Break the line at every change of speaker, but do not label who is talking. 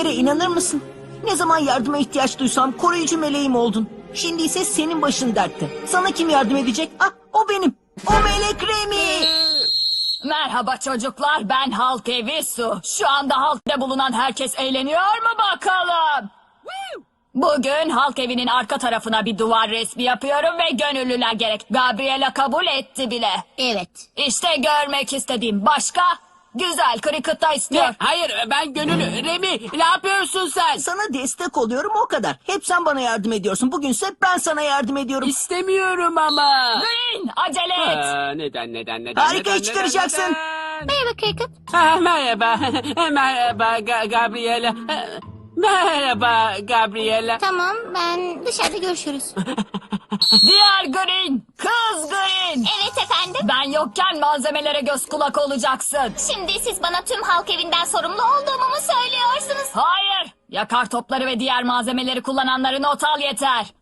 dediklerime inanır mısın? Ne zaman yardıma ihtiyaç duysam koruyucu meleğim oldun. Şimdi ise senin başın dertte. Sana kim yardım edecek? Ah, o benim. O melek Remi.
Merhaba çocuklar, ben Halk Evi Su. Şu anda halkta bulunan herkes eğleniyor mu bakalım? Bugün halk evinin arka tarafına bir duvar resmi yapıyorum ve gönüllüler gerek. Gabriela kabul etti bile.
Evet.
İşte görmek istediğim başka güzel Cricket'ta istiyor.
Ne? Hayır, ben gönüllü. Remi, ne yapıyorsun sen?
Sana destek oluyorum, o kadar. Hep sen bana yardım ediyorsun. Bugünse ben sana yardım ediyorum.
İstemiyorum ama.
Green, acele et.
Neden?
Harika
neden,
iş çıkaracaksın.
neden?
Merhaba Cricket.
Merhaba. Merhaba Gabriela. Merhaba Gabriela.
Tamam, ben dışarıda görüşürüz.
Diğer Green, kız Green.
Evet efendim.
Ben yokken malzemelere göz kulak olacaksın.
Şimdi siz bana tüm halk evinden sorumlu olduğumu mu söylüyorsunuz?
Hayır, yakar topları ve diğer malzemeleri kullananları not al yeter.